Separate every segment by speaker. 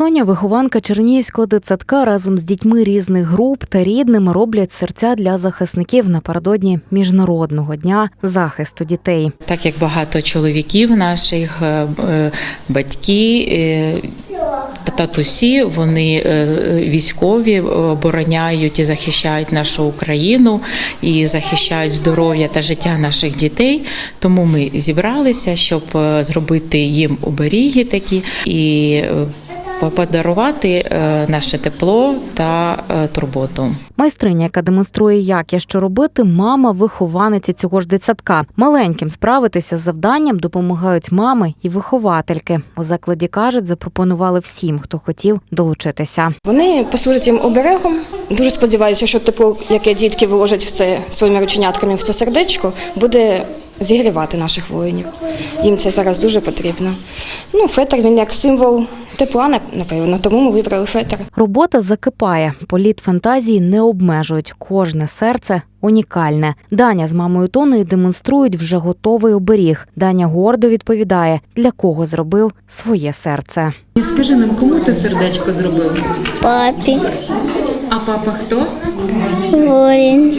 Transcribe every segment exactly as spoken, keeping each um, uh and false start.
Speaker 1: Соня, вихованка Чернігівського дитсадка, разом з дітьми різних груп та рідними роблять серця для захисників напередодні Міжнародного дня захисту дітей.
Speaker 2: Так як багато чоловіків наших, батьки, татусі, вони військові, обороняють і захищають нашу Україну і захищають здоров'я та життя наших дітей. Тому ми зібралися, щоб зробити їм оберіги такі і подарувати наше тепло та турботу.
Speaker 1: Майстриня, яка демонструє, як і що робити, мама вихованиці цього ж дитсадка. Маленьким справитися з завданням допомагають мами і виховательки. У закладі, кажуть, запропонували всім, хто хотів долучитися.
Speaker 3: Вони послужать їм оберегом. Дуже сподіваюся, що тепло, яке дітки виложать в це своїми рученятками в це сердечко, буде зігрівати наших воїнів. Їм це зараз дуже потрібно. Ну, фетр, він як символ тепла, напевно, тому ми вибрали фетр.
Speaker 1: Робота закипає. Політ фантазії не обмежують. Кожне серце унікальне. Даня з мамою Тоною демонструють вже готовий оберіг. Даня гордо відповідає, для кого зробив своє серце.
Speaker 4: Скажи нам, кому ти сердечко зробив?
Speaker 5: Папі.
Speaker 4: А папа хто?
Speaker 5: Воїн.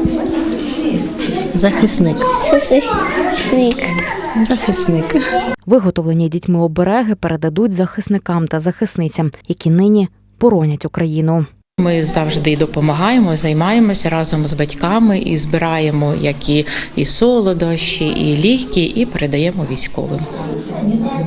Speaker 6: Захисник.
Speaker 5: Захисник.
Speaker 6: Захисник.
Speaker 1: Виготовлені дітьми обереги передадуть захисникам та захисницям, які нині боронять Україну.
Speaker 2: Ми завжди допомагаємо, займаємося разом з батьками і збираємо як і, і солодощі, і ліки, і передаємо військовим.